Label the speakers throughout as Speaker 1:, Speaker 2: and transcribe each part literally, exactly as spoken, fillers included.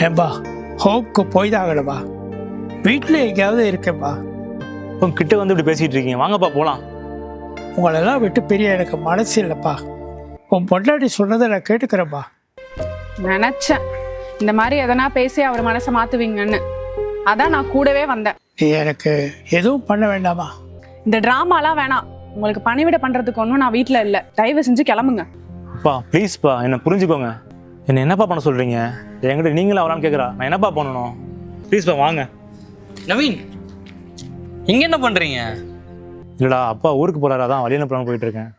Speaker 1: ஏன்பா ஹோப்க்கு போய் தான் ஆகணுமா? வீட்டில் எங்கேயாவது இருக்கேன்பா.
Speaker 2: உங்க கிட்ட வந்து இப்படி பேசிட்டு இருக்கீங்க, வாங்கப்பா போலாம்.
Speaker 1: உங்களெல்லாம் விட்டு பிரிய எனக்கு மனசு இல்லைப்பா. உன் பொண்டாட்டி சொன்னதை நான் கேட்டுக்கிறேன்ப்பா.
Speaker 3: நினைச்சேன் இந்த மாதிரி எதனா பேசி அவர் மனசை மாத்துவீங்கன்னு, அதான் நான் கூடவே வந்தேன்.
Speaker 1: நீ எனக்கு எதுவும் பண்ண வேண்டாமா?
Speaker 3: இந்த டிராமாலாம் வேணாம். உங்களுக்கு பணிவிட பண்றதுக்கு ஒன்றும் நான் வீட்டில் இல்லை. தயவு செஞ்சு கிளம்புங்க.
Speaker 2: அப்பா ப்ளீஸ்ப்பா என்னை புரிஞ்சுக்கோங்க. என்ன என்னப்பா பண்ண சொல்றீங்க? என்கிட்ட நீங்களும் அவரான்னு கேட்குறா, நான் என்னப்பா பண்ணணும்? ப்ளீஸ்ப்பா வாங்க.
Speaker 4: நவீன், இங்க என்ன பண்றீங்க?
Speaker 2: இல்லடா, அப்பா ஊருக்கு போறாரு, அதான் வழியில போலான்னு போயிட்டு இருக்கேன்.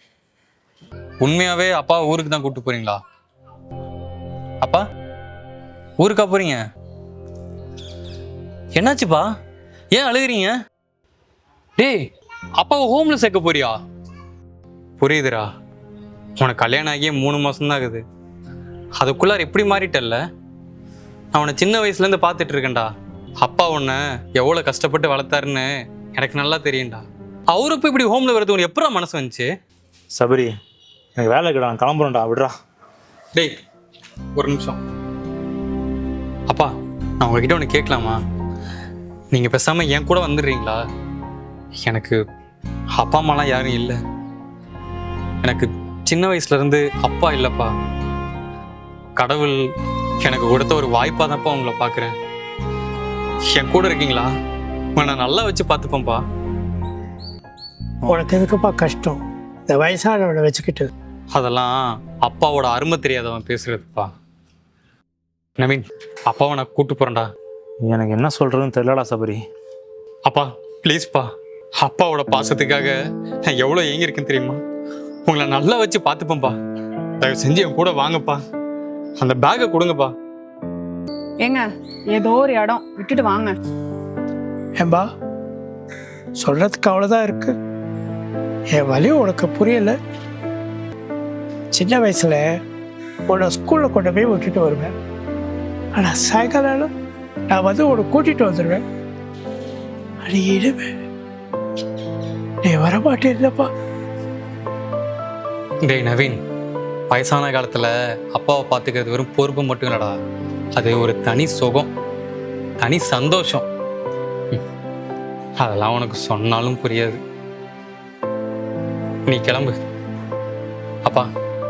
Speaker 4: உண்மையாவே அப்பா ஊருக்கு தான் கூப்பிட்டு போறீங்களா? அப்பா ஊருக்கா போறீங்க? என்னாச்சுப்பா, ஏன் அழுகுறீங்க? டேய், அப்பாவை ஹோம்ல சேர்க்க போறியா? புரியுதுடா, உனக்கு கல்யாணம் ஆகியே மூணு மாசம் தான் ஆகுது. அதுக்குள்ளார எப்படி மாறிட்டல்ல? நான் உன்னை சின்ன வயசுல இருந்து பார்த்துட்டு இருக்கேன்டா. அப்பா உன்னை எவ்வளவு கஷ்டப்பட்டு வளர்த்தாருன்னு எனக்கு நல்லா தெரியும்டா. அவரு இப்போ இப்படி ஹோம்ல வரது உனக்கு எப்படா மனசு வந்துச்சு?
Speaker 2: சபரி, எனக்கு வேலை இருக்குடா, நான் கிளம்புறேன்டா, விடுறா.
Speaker 4: டேய் ஒரு நிமிஷம். அப்பா, நான் உங்ககிட்ட ஒன்று கேட்கலாமா? நீங்கள் பேசாமல் என் கூட வந்துடுறீங்களா? எனக்கு அப்பா அம்மாலாம் யாரும் இல்லை. எனக்கு சின்ன வயசுலேருந்து அப்பா இல்லைப்பா. கடவுள் எனக்கு கொடுத்த ஒரு வாய்ப்பாக தான்ப்பா உங்களை பார்க்குறேன். என் கூட இருக்கீங்களா? உங்களை நான் நல்லா வச்சு பார்த்துப்பேன்ப்பா.
Speaker 1: உனக்கு எதுக்குப்பா கஷ்டம் இந்த வயசானவனை வச்சுக்கிட்டு?
Speaker 4: அதெல்லாம் அப்பாவோட அருமை தெரியாதவன் பேசுறதுப்பா. நவீன், அப்பாவை நான் கூட்டு போறேன்டா.
Speaker 2: எனக்கு என்ன சொல்றதுன்னு தெரியலடா சபரி.
Speaker 4: அப்பா ப்ளீஸ்ப்பா, அப்பாவோட பாசத்துக்காக நான் எவ்வளோ ஏங்கியிருக்கேன்னு தெரியுமா? உங்களை நல்லா வச்சு பார்த்துப்பேன்ப்பா. தயவு செஞ்சு என் கூட வாங்கப்பா. அந்த பேக்கை கொடுங்கப்பா.
Speaker 3: ஏங்க, ஏதோ ஒரு இடம் விட்டுட்டு வாங்க.
Speaker 1: ஏன்பா சொல்றதுக்கு அவ்வளோதான் இருக்கு. என் வலி உனக்கு புரியலை. சின்ன வயசுல உன்னை ஸ்கூலில் கொண்டு போய் விட்டுட்டு வருவேன். ஆனால் சாயங்காலம் நான் வந்து உன்னை கூட்டிகிட்டு வந்துடுவேன். அது இடுவேன், நீ வரமாட்டே இல்லைப்பா.
Speaker 4: டேய் நவீன், வயசான காலத்தில் அப்பாவை பார்த்துக்கிறது வெறும் பொறுப்பு மட்டும் இல்லடா, அது ஒரு தனி சுகம், தனி சந்தோஷம். ம். அதெல்லாம் உனக்கு சொன்னாலும் புரியாது. நீ கிளம்பு. அப்பா,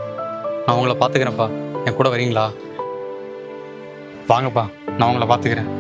Speaker 4: நான் உங்களை பார்த்துக்கிறேன்ப்பா. என் கூட வரீங்களா? வாங்கப்பா, நான் உங்களை பார்த்துக்கிறேன்.